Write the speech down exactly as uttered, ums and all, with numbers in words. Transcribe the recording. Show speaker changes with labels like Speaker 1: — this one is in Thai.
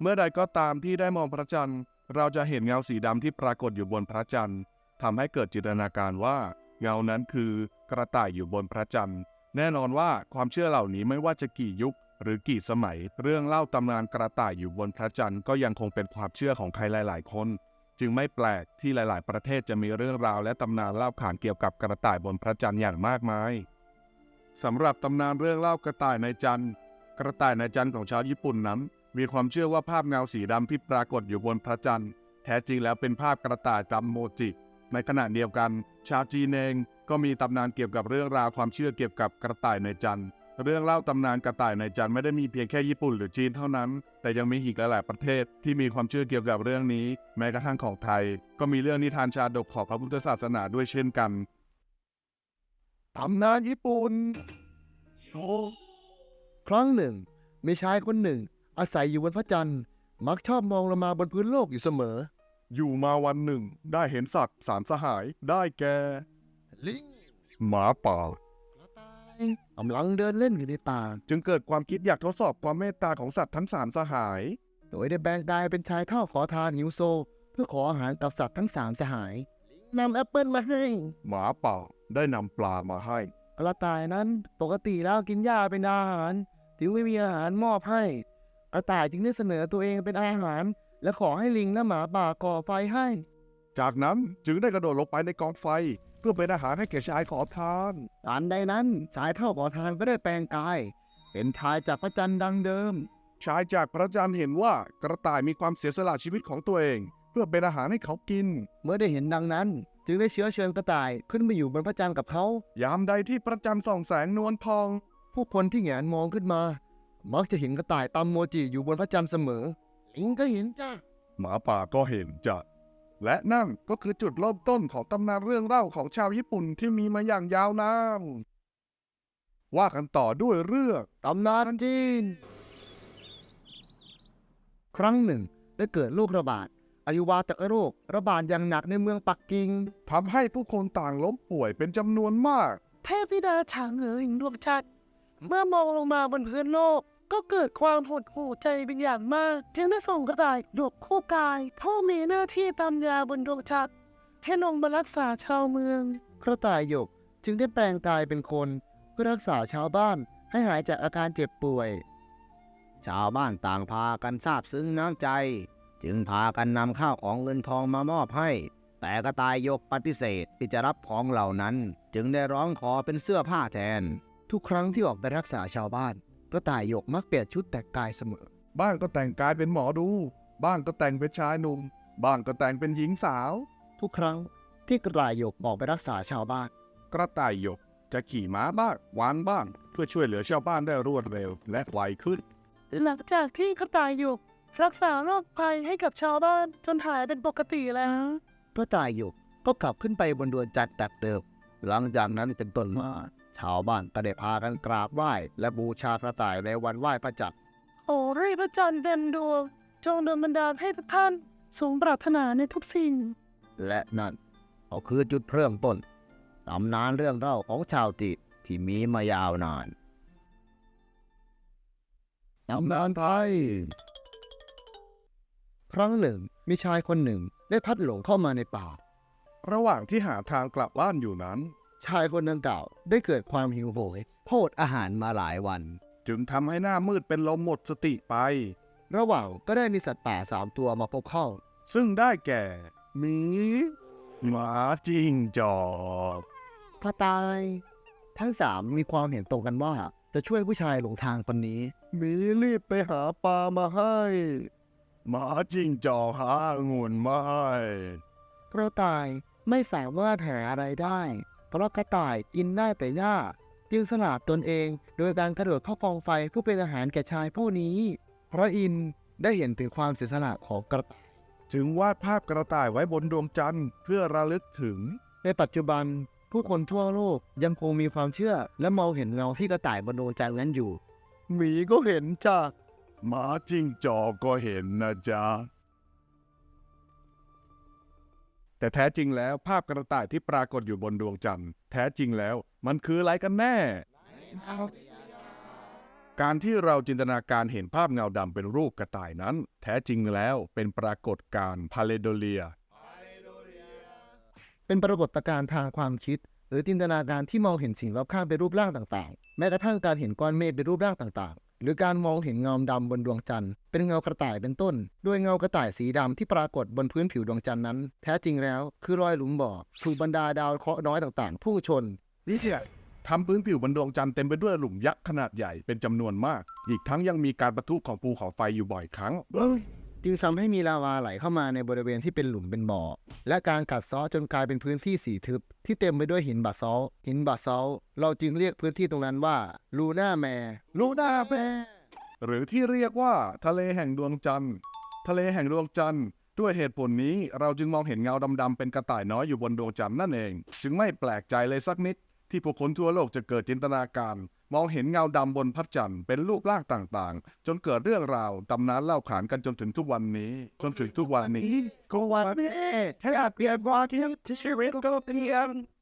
Speaker 1: เมื่อใดก็ตามที่ได้มองพระจันทร์เราจะเห็นเงาสีดำที่ปรากฏอยู่บนพระจันทร์ทำให้เกิดจินตนาการว่าเงานั้นคือกระต่ายอยู่บนพระจันทร์แน่นอนว่าความเชื่อเหล่านี้ไม่ว่าจะกี่ยุคหรือกี่สมัยเรื่องเล่าตำนานกระต่ายอยู่บนพระจันทร์ก็ยังคงเป็นความเชื่อของใครหลายๆคนจึงไม่แปลกที่หลายๆประเทศจะมีเรื่องราวและตำนานเล่าขานเกี่ยวกับกระต่ายบนพระจันทร์อย่างมากมายสำหรับตำนานเรื่องเล่ากระต่ายในจันทร์กระต่ายในจันทร์ของชาวญี่ปุ่นนั้นมีความเชื่อว่าภาพเงาสีดำที่ปรากฏอยู่บนพระจันทร์แท้จริงแล้วเป็นภาพกระต่ายตามโมจิในขณะเดียวกันชาวจีนเองก็มีตำนานเกี่ยวกับเรื่องราวความเชื่อเกี่ยวกับกระต่ายในจันทร์เรื่องเล่าตำนานกระต่ายในจันทร์ไม่ได้มีเพียงแค่ญี่ปุ่นหรือจีนเท่านั้นแต่ยังมีอีกหลายๆประเทศที่มีความเชื่อเกี่ยวกับเรื่องนี้แม้กระทั่งของไทยก็มีเรื่องนิทานชาดกของพระพุทธศาสนาด้วยเช่นกันตำนานญี่ปุ่นโอ้
Speaker 2: ครั้งหนึ่งมีชายคนหนึ่งอาศัยอยู่บนพระจันทร์มักชอบมองลงมาบนพื้นโลกอยู่เสมอ
Speaker 1: อยู่มาวันหนึ่งได้เห็นสัตว์สามสหายได้แก่
Speaker 2: ลิง
Speaker 1: หมาป่าก
Speaker 2: ระต่ายกำลังเดินเล่นอยู่ในป่า
Speaker 1: จึงเกิดความคิดอยากทดสอบความเมตตาของสัตว์ทั้งสามสหาย
Speaker 2: โดยได้แบ่งกายเป็นชายเท่าขอทานหิวโซเพื่อขออาหารกับสัตว์ทั้งสามสหายนำแอปเปิลมาให้
Speaker 1: หมาป่าได้นำปลามาให้
Speaker 2: กระต่ายนั้นปกติแล้วกินหญ้าเป็นอาหารถึงไม่มีอาหารมอบให้กระต่ายจึงได้เสนอตัวเองเป็นอาหารและขอให้ลิงและหมาป่าก่อไฟให้
Speaker 1: จากนั้นจึงได้กระโดดลงไปในกองไฟเพื่อเป็นอาหารให้แก่ชายขอทาน
Speaker 2: ทันใดนั้นชายเท่าขอทานก็ได้แปลงกายเป็นชายจากพระจันทร์ดังเดิม
Speaker 1: ชายจากพระจันทร์เห็นว่ากระต่ายมีความเสียสละชีวิตของตัวเองเพื่อเป็นอาหารให้เขากิน
Speaker 2: เมื่อได้เห็นดังนั้นจึงได้เชื้อเชิญกระต่ายขึ้นไปอยู่บนพระจันทร์กับเขา
Speaker 1: ยามใดที่พระจันทร์ส่องแสงนวลทอง
Speaker 2: ผู้คนที่แหงนมองขึ้นมามักจะเห็นกระต่ายตำโมจิอยู่บนพระจันทร์เสมอลิงก็เห็นจ้ะ
Speaker 1: หมาป่าก็เห็นจ้ะและนั่นก็คือจุดเริ่มต้นของตำนานเรื่องเล่าของชาวญี่ปุ่นที่มีมาอย่างยาวนานว่ากันต่อด้วยเรื่อง
Speaker 2: ตำนานจีนครั้งหนึ่งได้เกิดโรคระบาดอหิวาตกโรคระบาดอย่างหนักในเมืองปักกิ่ง
Speaker 1: ทำให้ผู้คนต่างล้มป่วยเป็นจำนวนมาก
Speaker 3: เทพธิดาฉางเอ๋ยดวงจันทร์เมื่อมองลงมาบนพื้นโลกก็เกิดความหดหู่ใจเป็นอย่างมากจึงได้ส่งกระต่ายหยกคู่กายผู้มีหน้าที่ตามยาบนดวงจันทร์ให้ลงมารักษาชาวเมือง
Speaker 2: กระต่ายหยกจึงได้แปลงกายเป็นคนเพื่อรักษาชาวบ้านให้หายจากอาการเจ็บป่วยชาวบ้านต่างพากันซาบซึ้งน้ำใจจึงพากันนำข้าวของเงินทองมามอบให้แต่กระต่ายหยกปฏิเสธที่จะรับของเหล่านั้นจึงได้ร้องขอเป็นเสื้อผ้าแทนทุกครั้งที่ออกไปรักษาชาวบ้านกระต่ายหยกมักเปลี่ยนชุดแต่งกายเสมอ
Speaker 1: บ้างก็แต่งกายเป็นหมอดูบ้างก็แต่งเป็นชายหนุ่มบ้างก็แต่งเป็นหญิงสาว
Speaker 2: ทุกครั้งที่กระต่ายหยกออกไปรักษาชาวบ้าน
Speaker 1: กระต่ายหยกจะขี่ม้าบ้างวางบ้างเพื่อช่วยเหลือชาวบ้านได้รวดเร็วและไวขึ้น
Speaker 3: หลังจากที่กระต่ายหยกรักษาโรคภัยให้กับชาวบ้านจนหายเป็นปกติแล้ว
Speaker 2: กระต่ายหยกก็กลับขึ้นไปบนดวงจันทร์แบบเดิมหลังจากนั้นเป็นต้นมาชาวบ้านก็ได้พากันกราบไหว้และบูชากระต่ายในวันไหว้พระจันทร์
Speaker 3: โอ้เร่พระจันทร์เต็มดวงจงดลบันดาลให้ทุกท่านสมปรารถนาในทุกสิ่ง
Speaker 2: และนั่นก็คือจุดเริ่มต้นตำนานเรื่องเล่าของชาวจีนที่มีมายาวนานตำนานไทยครั้งหนึ่งมีชายคนหนึ่งได้พลัดหลงเข้ามาในป่า
Speaker 1: ระหว่างที่หาทางกลับบ้านอยู่นั้น
Speaker 2: ชายคนดังกล่าวได้เกิดความหิวโหยโภชอาหารมาหลายวัน
Speaker 1: จึงทำให้หน้ามืดเป็นลมหมดสติไประ
Speaker 2: หว่างก็ได้มีสัตว์ป่าสามตัวมาพบเข้า
Speaker 1: ซึ่งได้แก่หมีหมาจิ้งจอก
Speaker 2: กระต่ายทั้งสามมีความเห็นตรงกันว่าจะช่วยผู้ชายหลงทางคนนี้
Speaker 1: หมีรีบไปหาปลามาให้หมาจิ้งจอกหาองุ่นมาให้
Speaker 2: กระต่ายไม่สามารถหาอะไรได้เพราะกระต่ายกินได้แต่หญ้าจึงสละตนเองโดยการกระโดดเข้ากองไฟเพื่อเป็นอาหารแก่ชายผู้นี้พระอินทร์ได้เห็นถึงความเสียสละของกระต่าย
Speaker 1: จึงวาดภาพกระต่ายไว้บนดวงจันทร์เพื่อระลึกถึง
Speaker 2: ในปัจจุบันผู้คนทั่วโลกยังคงมีความเชื่อและมองเห็นเงาที่กระต่ายบนดวงจันทร์นั้นอยู่
Speaker 1: หมีก็เห็นจ้ะหมาจิ้งจอกก็เห็นนะจ๊ะแต่แท้จริงแล้วภาพกระต่ายที่ปรากฏอยู่บนดวงจันทร์แท้จริงแล้วมันคืออะไรกันแน่กการที่เราจินตนาการเห็นภาพเงาดำเป็นรูปกระต่ายนั้น แท้จริงแล้วเป็นปรากฏการณ์พาเลโดเลีย
Speaker 2: เป็นปรากฏการณ์ทางความคิด หรือจินตนาการที่มองเห็นสิ่งรอบข้างเป็นรูปร่างต่างๆ แม้กระทั่งการเห็นก้อนเมฆเป็นรูปร่างต่างๆ หรือการมองเห็นเงาดำบนดวงจันทร์เป็นเงากระต่ายเป็นต้น โดยเงากระต่ายสีดำที่ปรากฏบนพื้นผิวดวงจันทร์นั้น แท้จริงแล้วคือรอยหลุมบ่อถูกบรรดาดาวเคราะห์น้อยต่างๆพุ่งชน
Speaker 1: นี่แหละทำพื้นผิวบนดวงจันทร์เต็มไปด้วยหลุมยักษ์ขนาดใหญ่เป็นจำนวนมาก อีกทั้งยังมีการปะทุของภูเขาไฟอยู่บ่อยครั้ง
Speaker 2: จึงทำให้มีลาวาไหลเข้ามาในบริเวณที่เป็นหลุมเป็นบ่อ และการกัดเซาะจนกลายเป็นพื้นที่สีทึบที่เต็มไปด้วยหินบาซอลต์หินบาซอลต์เราจึงเรียกพื้นที่ตรงนั้นว่าลูน่าแมร์
Speaker 1: ลูน่าแมร์ หรือที่เรียกว่าทะเลแห่งดวงจันทร์ ทะเลแห่งดวงจันทร์ ด้วยเหตุผลนี้เราจึงมองเห็นเงาดำๆเป็นกระต่ายน้อยอยู่บนดวงจันทร์นั่นเอง จึงไม่แปลกใจเลยสักนิดที่ผู้คนทั่วโลกจะเกิดจินตนาการ มองเห็นเงาดำบนพระจันทร์เป็นรูปร่างต่างๆ จนเกิดเรื่องราวตำนานเล่าขานกันจนถึงทุกวันนี้ จนถึงทุกวันนี้
Speaker 3: ก็วันนี้แค่เปลี่ยนความคิดที่ชีวิตก็เปลี่ยน